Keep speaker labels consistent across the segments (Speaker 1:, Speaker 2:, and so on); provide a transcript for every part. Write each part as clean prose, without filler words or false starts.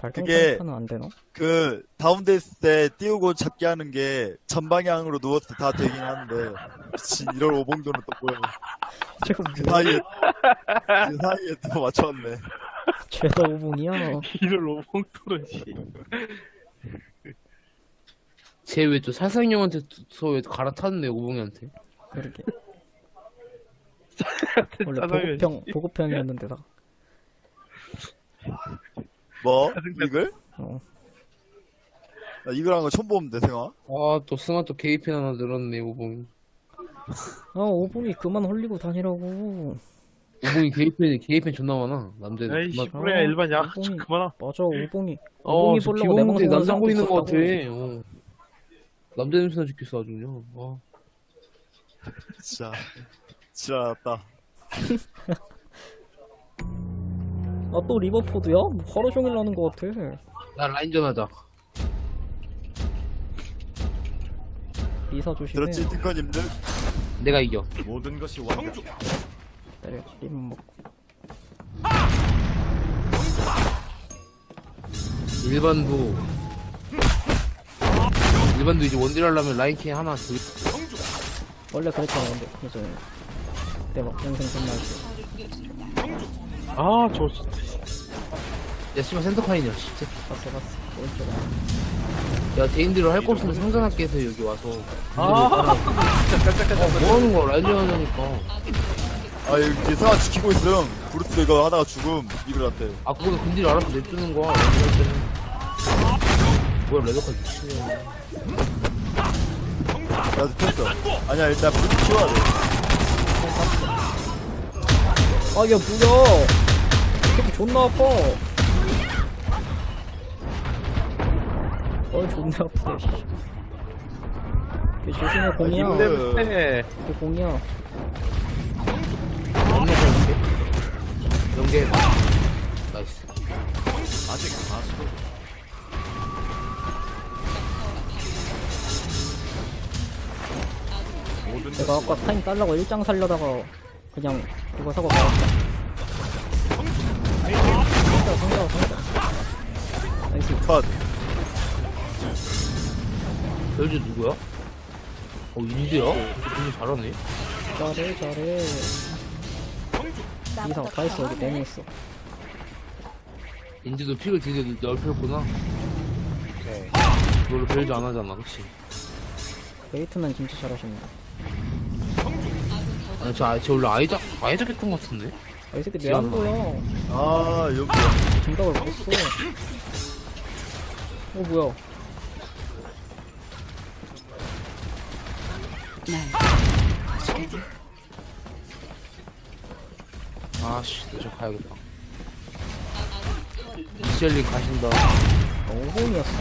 Speaker 1: 그게
Speaker 2: 발광판은 안 되나?
Speaker 1: 그 다운돼 있을 때 띄우고 잡기 하는 게 전방향으로 누웠을 때 다 되긴 하는데 미친 이럴 오봉도는 또 뭐야.
Speaker 2: 저거
Speaker 1: 그
Speaker 2: 뭐야?
Speaker 1: 사이에 또 맞췄네.
Speaker 2: 죄다 오봉이야.
Speaker 3: 이를 오봉토를 씨.
Speaker 4: 쟤 왜 또 살상형한테 왜 갈아탔네 오봉이한테.
Speaker 2: 그러게.
Speaker 3: 짜장면
Speaker 2: 원래
Speaker 3: 씨.
Speaker 2: 보급형이었는데다.
Speaker 1: 뭐? 이글?
Speaker 2: 어.
Speaker 1: 나 이글 한 거 처음 보는데 생아.
Speaker 4: 아또 승아 또 게이핀 하나 늘었네 오봉이.
Speaker 2: 아 오봉이 그만 홀리고 다니라고.
Speaker 4: 오봉이 게이펜 존나 많아. 남자들.
Speaker 3: 에이씨
Speaker 4: 존나-
Speaker 3: 뭐야 일반 야
Speaker 2: 오봉이-
Speaker 3: 그만하.
Speaker 2: 맞아 오봉이.
Speaker 4: 어,
Speaker 2: 오봉이
Speaker 4: 저
Speaker 2: 보려고 내
Speaker 4: 비공개
Speaker 2: 방송을
Speaker 4: 남자
Speaker 2: 사람도
Speaker 4: 보이는 것 같아.
Speaker 2: 있었다고.
Speaker 4: 남자 냄새나 죽겠어 아주 그냥.
Speaker 1: 진짜 지랄났다.
Speaker 2: 아 또 리버포드야? 뭐 하루 종일 하는 것 같아.
Speaker 4: 나 라인전 하자.
Speaker 2: 리사 조심해.
Speaker 1: 들었지 띵커님들?
Speaker 4: 내가 이겨.
Speaker 5: 모든 것이 완벽.
Speaker 2: 때려 림 먹고.
Speaker 4: 일반도 이제 원딜 하려면 라인킹 하나 둘.
Speaker 2: 원래 그랬잖아 근데 예전에. 그때 막 동생 끝날 때.
Speaker 3: 아저 진짜.
Speaker 4: 야 씨발 센터카인이야 진짜.
Speaker 2: 봤어 오른쪽에.
Speaker 4: 야 대인들을 할 거 없으면 상관할게 해서 여기 와서.
Speaker 3: 아 진짜 깜짝깜짝.
Speaker 4: 뭐 하는 거야 라인전 하자니까.
Speaker 1: 아 여기 생아 지키고 있음. 브루스 이거 하다가 죽음 이글한테.
Speaker 4: 아 그거는 근딜 알아서 내주는 거야 라인전 할 때는. 뭐야 레더까지 미치냐.
Speaker 1: 나도 켰어. 아니야 일단 브루스 키워야 돼.
Speaker 2: 아, 야, 뭐야! 새끼 존나 아파! 존나 아프네, 씨. 얘 조심해, 공이야.
Speaker 1: 아,
Speaker 3: 네.
Speaker 2: 그 공이야.
Speaker 4: 연계해봐. 나이스.
Speaker 5: 아직 아수도 모든
Speaker 2: 내가
Speaker 5: 것이
Speaker 2: 아까 타임 딸라고 일장 살려다가 그냥 그거 사고 말았다. 상자. 나이스.
Speaker 1: 컷.
Speaker 4: 벨즈 누구야? 인디야? 굉장히 잘하네.
Speaker 2: 잘해. 이상 다 했어, 여기 4명 있어.
Speaker 4: 인디도 픽을 되게 넓혔구나. 그걸로 벨즈 안 하잖아, 그치?
Speaker 2: 베이트맨 진짜 잘하십니다.
Speaker 4: 아니, 쟤 원래 아이작 했던 것 같은데?
Speaker 2: 아, 이 새끼 내 안 보여.
Speaker 1: 아 여기.
Speaker 2: 진각을 못 써. 뭐야.
Speaker 4: 아씨, 저 가야겠다. 미셸린 가신다.
Speaker 2: 5번이었어?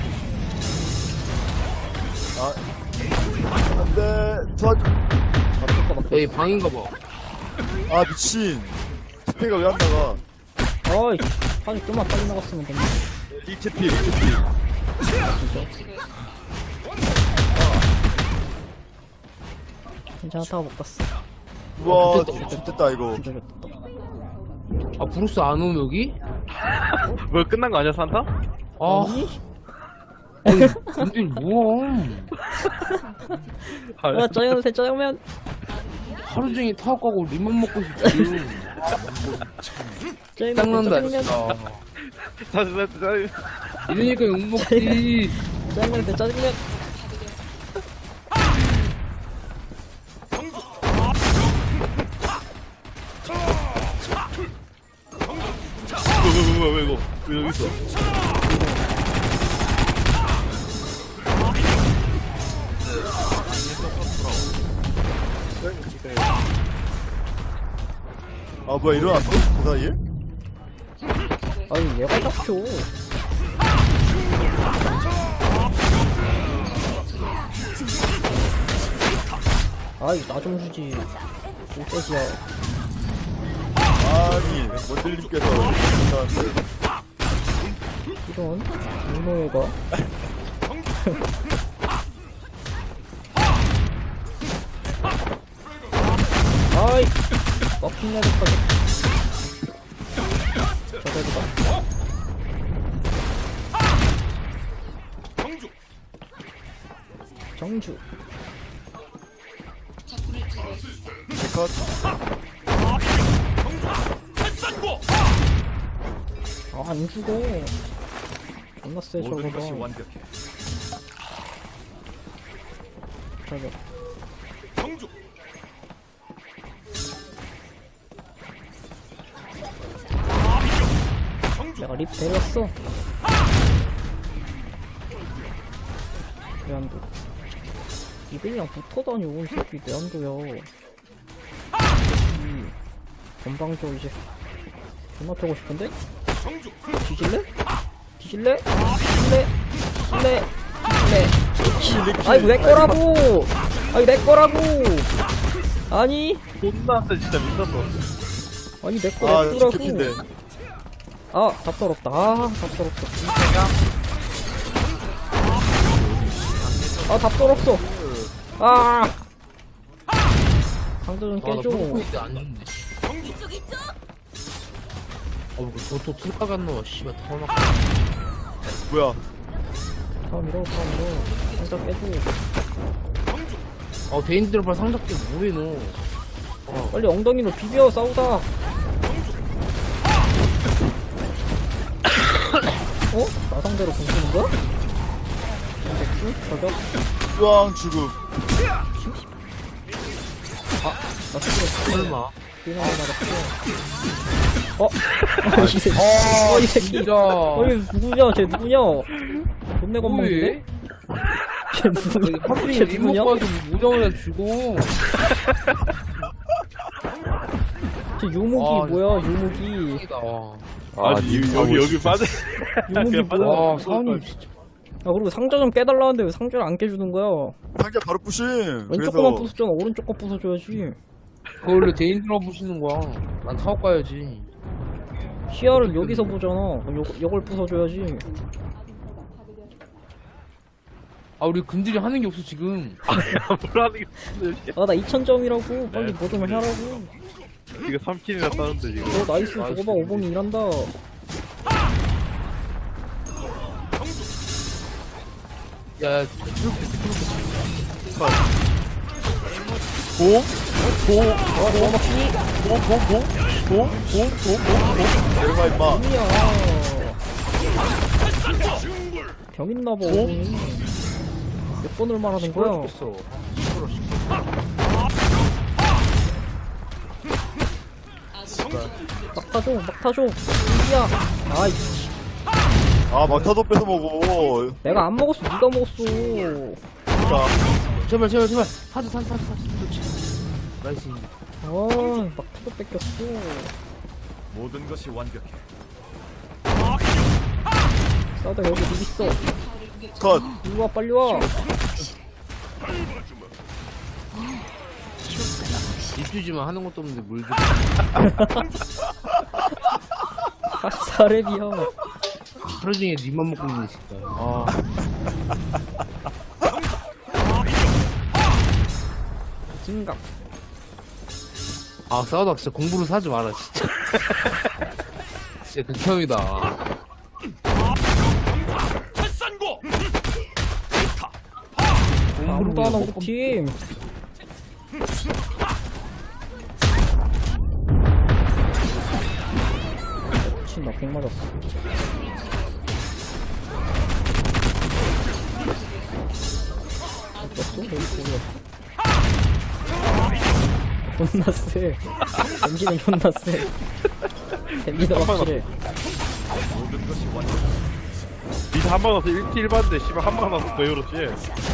Speaker 1: 안돼 도와줘.
Speaker 4: 여기 방인가 봐.
Speaker 1: 아 미친. 스페가 왜 안 나가?
Speaker 2: 아이, 아니, 좀만 빨리 나갔으면 됐네.
Speaker 1: 리캐피.
Speaker 2: 진짜. 괜찮다고 못 갔어.
Speaker 1: 우와 좋됐다 이거.
Speaker 2: 진짜 좋다.
Speaker 4: 아, 브루스 안 오면 여기?
Speaker 3: 뭐 끝난 거 아니야 산타?
Speaker 4: 아,
Speaker 2: 아니?
Speaker 4: 근데 뭐야.
Speaker 2: 야, 짜장면.
Speaker 4: 하루 종일 타고 가고 립만 먹고 싶지. 짱난다, 진짜.
Speaker 3: 짜증.
Speaker 4: 이러니까 욕 먹지.
Speaker 2: 짜장면.
Speaker 3: 왜 이거 왜 여기 있어?
Speaker 1: 아 뭐야 일어났어? 그 사이에?
Speaker 2: 아니, 얘가 잡혀. 아이, 나 좀 주지. 꿀떼지야.
Speaker 1: 아니 원딜님께서 일어났는데.
Speaker 2: 이런, 문호애가. 아이, 막힌 애들까지. 저거보다. 경주.
Speaker 1: 컷.
Speaker 2: 아, 안 죽어. 존나 세,
Speaker 5: 모든 것이
Speaker 2: 저거가.
Speaker 5: 완벽해.
Speaker 2: 저거.
Speaker 5: 경주.
Speaker 2: 내가 립 데렸어. 내한도. 이들이랑 붙어다녀, 이 새끼, 내한도야. 건방져, 이제. 존나 패고 싶은데? 뒤질래? 뒤질래? 뒤질래? 뒤질래? 뒤질래? 아이고, 내 거라고! 아이, 내 거라고! 아니?
Speaker 3: 존나한테 진짜 미쳤어.
Speaker 2: 아니, 내 거
Speaker 1: 아,
Speaker 2: 냅두라고!
Speaker 1: 죽겠긴데.
Speaker 2: 아, 답답럽다. 아, 답답럽다. 아, 답답럽어. 아! 강도 좀
Speaker 4: 아나
Speaker 2: 깨줘.
Speaker 4: 뽕포인트 안 좋네. 저또 툴까 갔노. 씨발 타워막.
Speaker 1: 뭐야?
Speaker 2: 다음 밀어, 다음 밀어. 강도 깨줘.
Speaker 4: 대인들 빨리 상작게 뭐해 너.
Speaker 2: 빨리 엉덩이로 비벼, 싸우다. 어? 나 상대로 공쓰는 거야? 저격?
Speaker 1: 우왕 죽음.
Speaker 2: 나 스스로
Speaker 4: 설마.
Speaker 2: 비나가 맞았어. 이 새끼. 이 새끼.
Speaker 4: 진짜.
Speaker 2: 누구냐? 쟤 누구냐? 존내 건방진데? 쟤 누구냐?
Speaker 4: 하필이
Speaker 2: 쟤
Speaker 4: 립
Speaker 2: 누구냐?
Speaker 4: 먹고 와서 무정을 주고.
Speaker 2: 쟤 유무기
Speaker 4: 아,
Speaker 2: 뭐야? 유무기.
Speaker 3: 여기 빠져.
Speaker 2: 유무기 뭐야?
Speaker 4: 와 사원님 진짜.
Speaker 2: 아, 그리고 상자 좀 깨달라는데 왜 상자를 안 깨주는 거야?
Speaker 1: 상자 바로 부심.
Speaker 2: 왼쪽
Speaker 1: 그래서
Speaker 2: 거만 부쉈잖아. 오른쪽 거 부숴줘야지.
Speaker 4: 그거 원래 대인들만 보시는 거야. 난 사업 가야지.
Speaker 2: 시야를 여기서 보잖아. 그럼 요걸 부숴줘야지.
Speaker 4: 우리 근들이 하는 게 없어 지금.
Speaker 3: 뭐라는 게 없는데.
Speaker 2: 아, 나 2000점이라고. 빨리 뭐 좀 해라고.
Speaker 3: 이거 3킬이나 따는데 지금.
Speaker 2: 나이스. 저거 봐. 오봉이 일한다.
Speaker 4: 야,
Speaker 1: 내려가 임마.
Speaker 2: 아니야. 병 있나봐. 오봉이. 몇 번을 말하는 거야?
Speaker 4: 했어.
Speaker 2: 막 타줘. 막 타줘. 이야. 아이.
Speaker 1: 아 막타도 뺏어 먹어.
Speaker 2: 내가 안 먹었어. 네가 먹었어.
Speaker 1: 그러니까
Speaker 4: 제발. 사주. 그렇지. 나이스.
Speaker 2: 아, 막 타도 뺏겼어.
Speaker 5: 모든 것이 완벽해.
Speaker 2: 싸우다 여기 립 있어.
Speaker 1: 컷.
Speaker 2: 이리 와, 빨리 와.
Speaker 4: 입주지만 하는 것도 없는데 물 좀.
Speaker 2: 사렙이야.
Speaker 4: 하루 종일 립만 먹고 있는 진짜.
Speaker 2: 진각.
Speaker 4: 싸우다 진짜 공부를 사지 마라 진짜. 진짜 극혐이다.
Speaker 2: 아무도 안 하고 팀. 미친, 나 100 맞았어. 어땠어? 여기 보였어? 존나 세. 댐지는 존나 세. 댐지도 확실해.
Speaker 5: 모든 것이 완벽해.
Speaker 3: 니가 한방 나서 1킬 봤는데 씨발 한방 나서 더 열었지.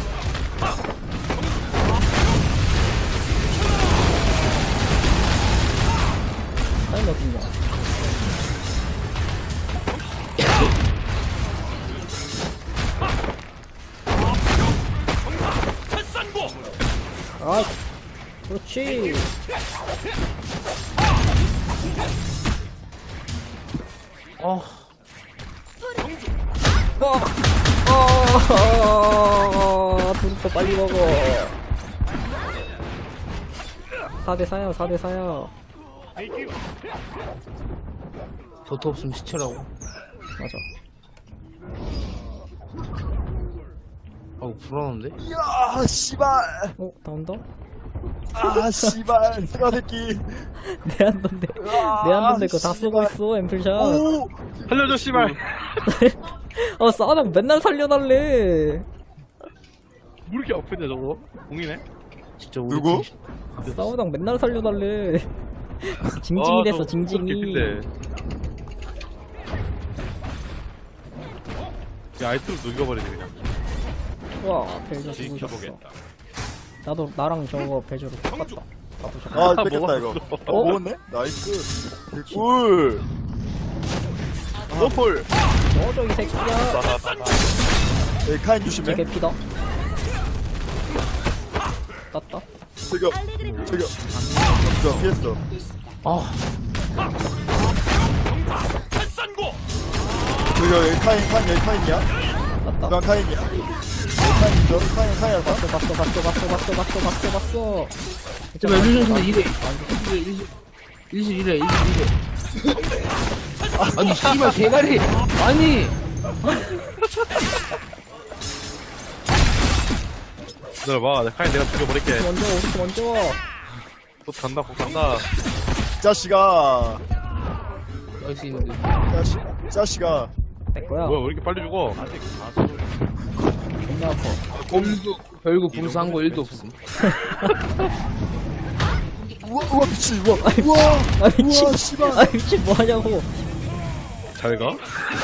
Speaker 2: 타임 어딨냐? 아, 그렇지. 두루퍼 빨리 먹어. 4대4야, 4대4야.
Speaker 4: 도트 없으면 시체라고.
Speaker 2: 맞아.
Speaker 4: 아우 불안한데?
Speaker 1: 야 씨발.
Speaker 2: 나온다?
Speaker 1: 아 씨발 스가 새끼.
Speaker 2: 내한 던데. 내한 던데 그거 다 쓰고 있어, 앰플샷.
Speaker 1: 오.
Speaker 3: 살려줘 씨발.
Speaker 2: 싸우다가 맨날 살려달래.
Speaker 3: 뭐 이렇게 아프냐 저거? 공이네.
Speaker 4: 진짜 우리
Speaker 1: 누구?
Speaker 4: 팀
Speaker 2: 싸우다가 맨날 살려달래. 징징이 됐어, 징징이.
Speaker 3: 야 아이템 녹여버리네 그냥.
Speaker 2: 와, 벨저 죽으셨어.
Speaker 5: 지켜보겠다.
Speaker 2: 나도, 나랑 저거 벨저로 똑같다.
Speaker 1: 아 뺏겼다 이거.
Speaker 2: 어?
Speaker 1: 먹었네? 나이스. 꿀.
Speaker 3: 노폴.
Speaker 2: 저 이 새끼야.
Speaker 1: 네, 카인 조심해.
Speaker 2: 제 개피다. 땄다.
Speaker 1: 저기요. 저 피했어.
Speaker 4: 아
Speaker 5: 탈산고.
Speaker 1: 저기요 여기 카인이야?
Speaker 2: 땄다.
Speaker 1: 누가 카인이야? 여기 카인 있어? 카인 알까?
Speaker 2: 봤어.
Speaker 4: 제발 루션 근데 이래 일시 아니 씨발 대가리 아니
Speaker 3: 기다려봐. 내가 죽여버릴게.
Speaker 2: 먼저.
Speaker 3: 곧 간다.
Speaker 1: 짜씨가.
Speaker 4: 나이스 있는데
Speaker 1: 짜씨가.
Speaker 2: 내 거야.
Speaker 3: 뭐야 왜 이렇게 빨리 죽어?
Speaker 2: 존나 아파.
Speaker 4: 별거 불사한 거 1도 없음
Speaker 1: 우와 미친 우와
Speaker 2: 아, 미친.
Speaker 1: 우와 씨발.
Speaker 2: 아, 미친, 뭐 하냐고.
Speaker 3: 잘 가?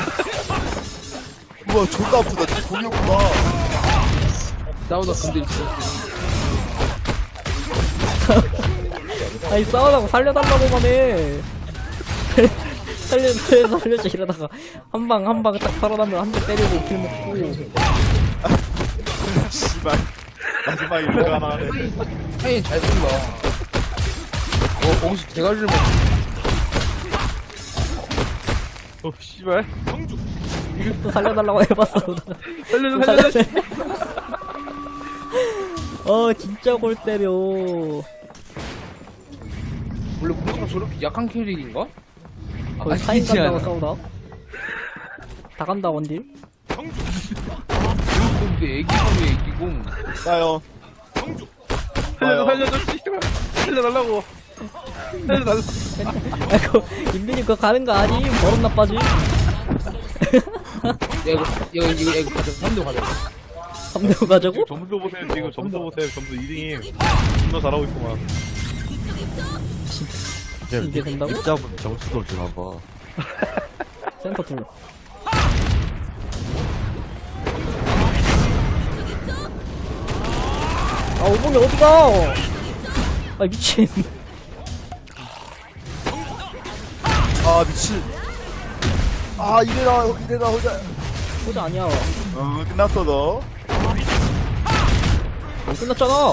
Speaker 1: 우와 존나 아프다. 쟤 공이었구나.
Speaker 4: 싸우다 근데
Speaker 2: 아니, 싸우다가 살려달라고만 해. 살려줘 이러다가 한 방 딱 살아나면 한 대 때리고 길 먹고.
Speaker 1: 씨발. 마지막에 이거 하나 하네.
Speaker 4: 타인 잘 쓴다 거기서 대가리를 먹
Speaker 3: 씨발.
Speaker 2: 또 살려달라고 해봤어.
Speaker 3: 살려줘.
Speaker 2: 진짜 골 때려.
Speaker 4: 원래 무스가 저렇게 약한 캐릭인가?
Speaker 2: 거의 사인 간다고 싸우다. 다 간다, 원딜.
Speaker 4: 근데 애기공이
Speaker 1: 나요.
Speaker 3: 살려줘 씨발. 살려달라고. 살려달라.
Speaker 2: 아이고, 인민이 그거 가는 거 아니? 버릇 나빠지?
Speaker 4: 야 이거 가자 3대 가자
Speaker 2: 3대5 가자고?
Speaker 3: 점수 보세요 지금 점수 2등임. 존나 잘하고 있구만.
Speaker 2: 이게 된다고?
Speaker 6: 입자분 점수도 주나 봐.
Speaker 2: 센터 둘. 아, 오봉이 어디가? 아, 미친.
Speaker 1: 아 미친. 아 이래라 호자.
Speaker 2: 호자 아니야.
Speaker 1: 끝났어 너.
Speaker 2: 안 끝났잖아.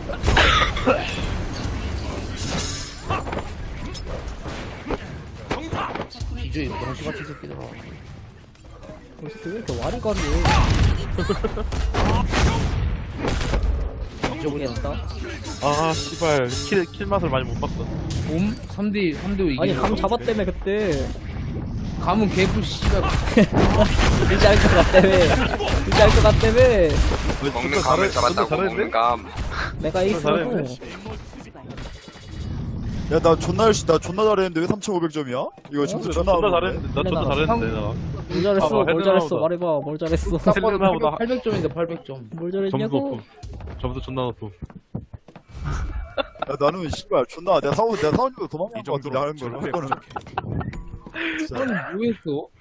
Speaker 4: 기저에 병신같은 새끼들아
Speaker 2: 이 새끼 왜 이렇게 와리가리 해? 잊어버렸다.
Speaker 3: 아 씨발 킬 맛을 많이 못 봤어.
Speaker 4: 봄? 3대5 이기는
Speaker 2: 아니, 감
Speaker 4: 거.
Speaker 2: 잡았다며, 그때.
Speaker 4: 감은 개뿔 씨발
Speaker 2: 의지할 것 같다며. 의지할 것 같다며.
Speaker 7: 먹는 감을 잡았다고 먹는 감.
Speaker 2: 내가 에이스라고.
Speaker 1: 야 나 존나 열심히 나 존나 잘했는데 왜 3,500점이야? 이거 점수 존나
Speaker 3: 존나
Speaker 1: 잘했는데.
Speaker 3: 잘했는데. 나 존나 잘했는데 나.
Speaker 2: 뭘 잘했어,
Speaker 3: 봐봐,
Speaker 2: 뭘 잘했어.
Speaker 3: 헤드라운드.
Speaker 2: 말해봐, 뭘 잘했어.
Speaker 4: 딱 봐도
Speaker 3: 셀레나보다
Speaker 4: 800점인데 800점
Speaker 2: 뭘
Speaker 3: 점수
Speaker 2: 잘했냐고?
Speaker 3: 높음. 점수 존나 높음.
Speaker 1: 야 나는 씨발 존나 내가 사원님도 도망간 것 같은데 하는 걸.
Speaker 5: 정확해.
Speaker 1: 할 거는. 진짜.
Speaker 4: 뭐 했어?